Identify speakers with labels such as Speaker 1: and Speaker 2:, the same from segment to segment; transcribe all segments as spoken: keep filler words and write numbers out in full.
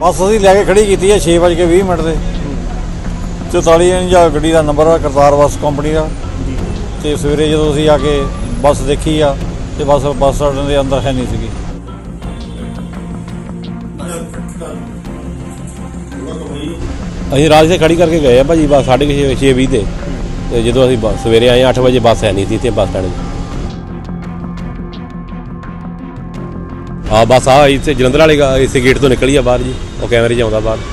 Speaker 1: बस असीं लैके खड़ी की है छे बज के भी मिनट से चौताली इंचा गड्डी का नंबर आ करतार बस कंपनी का। तो सवेरे जो असीं आके बस देखी आ तो बस बस स्टैंड के अंदर है नहीं सी।
Speaker 2: ਅਸੀਂ ਰਾਜ से खड़ी करके गए भाजी बस साढ़े छे छे भी से जो अभी सवेरे आए अठ बजे बस है नहीं थी इतने बस स्टैंड। हाँ बस आ इतने जलंधर वाले इस गेट तो निकली है बाहर जी और कैमरे च आउंदा बाहर।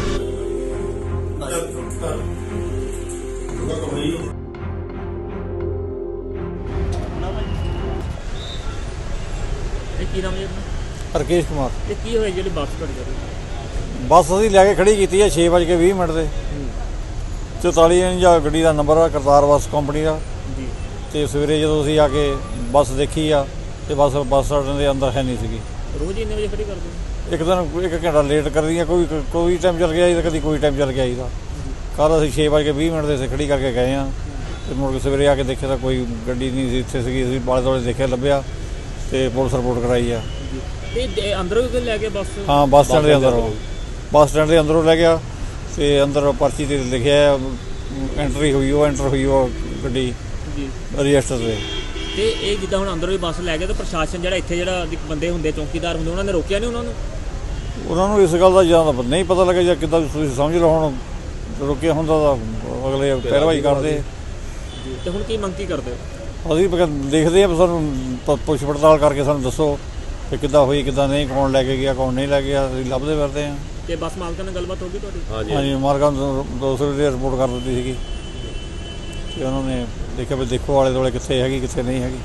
Speaker 1: रकेश कुमार
Speaker 3: की होया जेहड़ी बस खड़ी
Speaker 1: बस असीं लैके खड़ी की है छे बज के भी मिनट से चौताली इंचा गड्डी का नंबर आ करतार बस कंपनी का। तो सवेरे जो असीं आके बस देखी आ तो बस बस स्टैंड के अंदर है नहीं सी।
Speaker 3: रोज इन्ने बजे खड़ी कर दो
Speaker 1: एक दिन एक घंटा लेट कर दी कोई कोई टाइम चल गया जी कभी कोई टाइम चल गया जी। कल असीं छे बज के भी मिनट से खड़ी करके गए हैं तो मुड़ के सवेरे आके देखे तो कोई गड्डी नहीं इत्थे सी। असीं आले दुआले देखिया लभ्या तो पुलिस रिपोर्ट कराई है।
Speaker 3: ते अंदरों भी लै गया बस?
Speaker 1: हाँ बस स्टैंड के अंदरों बस स्टैंड के अंदरों लै गया तो अंदर पर्ची ते लिखिया एंट्री हुई वो एंटर हुई वो गड्डी रजिस्टर से।
Speaker 3: ਤੇ ਇਹ ਜਿੱਦਾਂ ਹੁਣ ਅੰਦਰੋਂ ਹੀ ਬੱਸ ਲੈ ਗਿਆ ਤਾਂ ਪ੍ਰਸ਼ਾਸਨ ਜਿਹੜਾ ਇੱਥੇ ਜਿਹੜਾ ਬੰਦੇ ਹੁੰਦੇ ਚੌਕੀਦਾਰ ਹੁੰਦੇ ਉਹਨਾਂ ਨੇ ਰੋਕਿਆ ਨਹੀਂ ਉਹਨਾਂ ਨੂੰ?
Speaker 1: ਉਹਨਾਂ ਨੂੰ ਇਸ ਗੱਲ ਦਾ ਜਾਂ ਨਹੀਂ ਪਤਾ ਲੱਗਾ ਜਾਂ ਕਿੱਦਾਂ ਤੁਸੀਂ ਸਮਝ ਲਓ ਹੁਣ ਰੋਕਿਆ ਹੁੰਦਾ ਤਾਂ ਅਗਲੇ ਪੈਰਵਾਈ ਕਰਦੇ।
Speaker 3: ਤੇ ਹੁਣ ਕੀ ਮੰਗ ਕੀ ਕਰਦੇ ਹੋ?
Speaker 1: ਅਸੀਂ ਦੇਖਦੇ ਹਾਂ ਸਾਨੂੰ ਪੁੱਛ ਪੜਤਾਲ ਕਰਕੇ ਸਾਨੂੰ ਦੱਸੋ ਕਿ ਕਿੱਦਾਂ ਹੋਈ ਕਿੱਦਾਂ ਨਹੀਂ, ਕੌਣ ਲੈ ਕੇ ਗਿਆ ਕੌਣ ਨਹੀਂ ਲੈ ਗਿਆ, ਅਸੀਂ ਲੱਭਦੇ ਫਿਰਦੇ ਹਾਂ।
Speaker 3: ਤੇ ਬੱਸ ਮਾਲਕਾਂ ਨਾਲ ਗੱਲਬਾਤ ਹੋ ਗਈ ਤੁਹਾਡੀ?
Speaker 2: ਹਾਂਜੀ
Speaker 1: ਹਾਂਜੀ ਮਾਲਕਾਂ ਨੂੰ ਦੋ ਸੌ ਰੁਪਏ ਰਿਪੋਰਟ ਕਰ ਦਿੱਤੀ ਸੀਗੀ ਤੇ ਉਹਨਾਂ ਨੇ ਦੇਖਿਆ ਵੀ ਦੇਖੋ ਆਲੇ ਦੁਆਲੇ ਕਿੱਥੇ ਹੈਗੀ ਕਿੱਥੇ ਨਹੀਂ ਹੈਗੀ।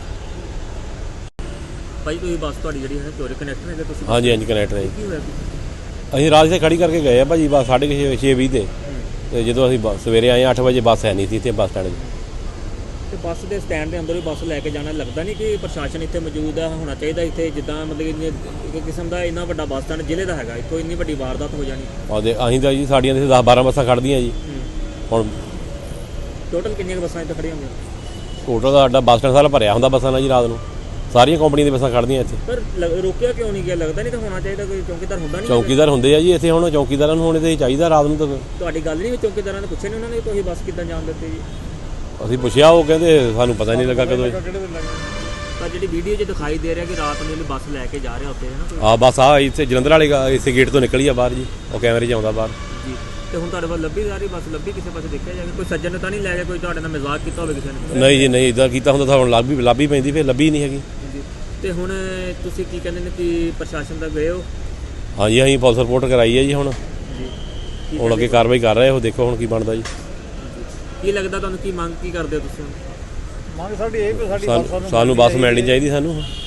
Speaker 3: ਭਾਈ ਤੁਸੀਂ ਬੱਸ ਤੁਹਾਡੀ ਜਿਹੜੀ ਹੈ ਚੋਰੀ ਕਨੈਕਟਰ ਹੈਗੇ ਤੁਸੀਂ?
Speaker 2: ਹਾਂਜੀ ਹਾਂਜੀ ਕਨੈਕਟਰ ਹੈ।
Speaker 3: ਕੀ ਹੋਇਆ?
Speaker 2: ਅਸੀਂ ਰਾਜ से खड़ी करके गए भाजी बस साढ़े छे छे भी से जो अभी सवेरे आए अठ बजे बस है नहीं थी इतने बस स्टैंड।
Speaker 3: ਤੇ ਬੱਸ ਦੇ ਸਟੈਂਡ ਦੇ ਅੰਦਰ ਹੀ ਬੱਸ ਲੈ ਕੇ ਜਾਣਾ ਲੱਗਦਾ ਨਹੀਂ ਕਿ ਪ੍ਰਸ਼ਾਸਨ ਇੱਥੇ ਮੌਜੂਦ ਹੈ ਹੋਣਾ ਚਾਹੀਦਾ ਇੱਥੇ ਜਿੱਦਾਂ ਮਤਲਬ ਕਿ ਕਿਸਮ ਦਾ ਇੰਨਾ ਵੱਡਾ ਬੱਸ ਸਟੈਂਡ ਜ਼ਿਲ੍ਹੇ ਦਾ ਹੈਗਾ ਇੱਥੋਂ ਇੰਨੀ ਵੱਡੀ ਵਾਰਦਾਤ ਹੋ ਜਾਣੀ।
Speaker 2: और ਅਸੀਂ ਤਾਂ ਜੀ ਸਾਡੀਆਂ ਦਸ ਬਾਰਾਂ ਬੱਸਾਂ ਖੜ੍ਹਦੀਆਂ ਜੀ। ਹੁਣ
Speaker 3: ਟੋਟਲ ਕਿੰਨੀਆਂ ਬੱਸਾਂ ਇੱਥੇ ਖੜੀਆਂ ਹੁੰਦੀਆਂ?
Speaker 2: ਟੋਟਲ ਦਾ ਸਾਡਾ ਬੱਸ ਸਟੈਂਡ ਸਾਰਾ ਭਰਿਆ ਹੁੰਦਾ ਬੱਸਾਂ ਨਾਲ ਜੀ ਰਾਤ ਨੂੰ ਸਾਰੀਆਂ ਕੰਪਨੀਆਂ ਦੀਆਂ ਬੱਸਾਂ ਖੜ੍ਹਦੀਆਂ ਇੱਥੇ।
Speaker 3: ਪਰ ਰੋਕਿਆ ਕਿਉਂ ਨਹੀਂ ਗਿਆ? ਲੱਗਦਾ ਨਹੀਂ ਤਾਂ ਹੋਣਾ ਚਾਹੀਦਾ ਕੋਈ ਚੌਕੀਦਾਰ ਹੁੰਦਾ ਨਹੀਂ?
Speaker 2: ਚੌਕੀਦਾਰ ਹੁੰਦੇ ਆ ਜੀ ਇੱਥੇ, ਹੁਣ ਚੌਕੀਦਾਰਾਂ ਨੂੰ ਹੋਣੇ ਤੇ ਚਾਹੀਦਾ ਰਾਤ ਨੂੰ। ਤਾਂ
Speaker 3: ਤੁਹਾਡੀ ਗੱਲ ਨਹੀਂ ਚੌਕੀਦਾਰਾਂ ਨੇ ਪੁੱਛਿਆ ਨਹੀਂ ਉਹਨਾਂ ਨੇ ਤੁਸੀਂ ਬੱਸ ਕਿੱਦਾਂ ਜਾਣ ਦਿੱਤੀ ਜੀ?
Speaker 2: ਅਸੀਂ ਪੁੱਛਿਆ ਉਹ ਕਹਿੰਦੇ ਸਾਨੂੰ ਪਤਾ ਨਹੀਂ ਲੱਗਾ ਕਦੋਂ।
Speaker 3: ਤਾਂ ਜਿਹੜੀ ਵੀਡੀਓ 'ਚ ਦਿਖਾਈ ਦੇ ਰਿਹਾ ਕਿ ਰਾਤ ਨੂੰ ਬੱਸ ਲੈ ਕੇ ਜਾ ਰਿਹਾ ਉੱਥੇ ਹੈ ਨਾ?
Speaker 2: ਹਾਂ ਬਸ ਆ ਇੱਥੇ ਜਲੰਧਰ ਵਾਲੇ ਇਸੇ ਗੇਟ ਤੋਂ ਨਿਕਲੀ ਆ ਬਾਹਰ ਜੀ ਉਹ ਕੈਮਰੇ 'ਚ ਆਉਂਦਾ ਬਾਹਰ
Speaker 3: ਜੀ। ਤੇ ਹੁਣ ਤੁਹਾਡੇ ਵੱਲ ਲੱਭੀ ਜਾ ਰਹੀ ਬੱਸ? ਲੱਭੀ ਕਿਸੇ ਪਾਸੇ ਦੇਖਿਆ ਜਾਵੇ? ਕੋਈ ਸੱਜਣ ਨੇ ਤਾਂ ਨਹੀਂ ਲੈ ਗਿਆ ਕੋਈ ਤੁਹਾਡੇ ਨਾਲ ਮਜ਼ਾਕ ਕੀਤਾ ਹੋਵੇ ਕਿਸੇ ਨੇ?
Speaker 2: ਨਹੀਂ ਜੀ ਨਹੀਂ, ਇੱਦਾਂ ਕੀਤਾ ਹੁੰਦਾ ਤਾਂ ਹੁਣ ਲੱਭ ਵੀ ਲੱਭ ਹੀ ਪੈਂਦੀ, ਫਿਰ ਲੱਭੀ ਨਹੀਂ ਹੈਗੀ
Speaker 3: ਜੀ। ਤੇ ਹੁਣ ਤੁਸੀਂ ਕੀ ਕਹਿੰਦੇ ਨੇ ਕਿ ਪ੍ਰਸ਼ਾਸਨ ਤੱਕ ਗਏ ਹੋ?
Speaker 2: ਹਾਂਜੀ ਅਸੀਂ ਪੁਲਿਸ ਰਿਪੋਰਟ ਕਰਾਈ ਹੈ ਜੀ। ਹੁਣ
Speaker 3: ਜੀ
Speaker 2: ਹੁਣ ਅੱਗੇ ਕਾਰਵਾਈ ਕਰ ਰਹੇ ਹੋ, ਦੇਖੋ ਹੁਣ ਕੀ ਬਣਦਾ ਜੀ।
Speaker 3: ਕੀ ਲੱਗਦਾ ਤੁਹਾਨੂੰ? ਕੀ ਮੰਗ ਕੀ ਕਰਦੇ ਹੋ ਤੁਸੀਂ?
Speaker 1: ਮੰਗ ਸਾਡੀ ਇਹ ਵੀ ਸਾਡੀ
Speaker 2: ਸਾਨੂੰ ਸਾਨੂੰ ਬੱਸ ਮਿਲਣੀ ਚਾਹੀਦੀ ਸਾਨੂੰ।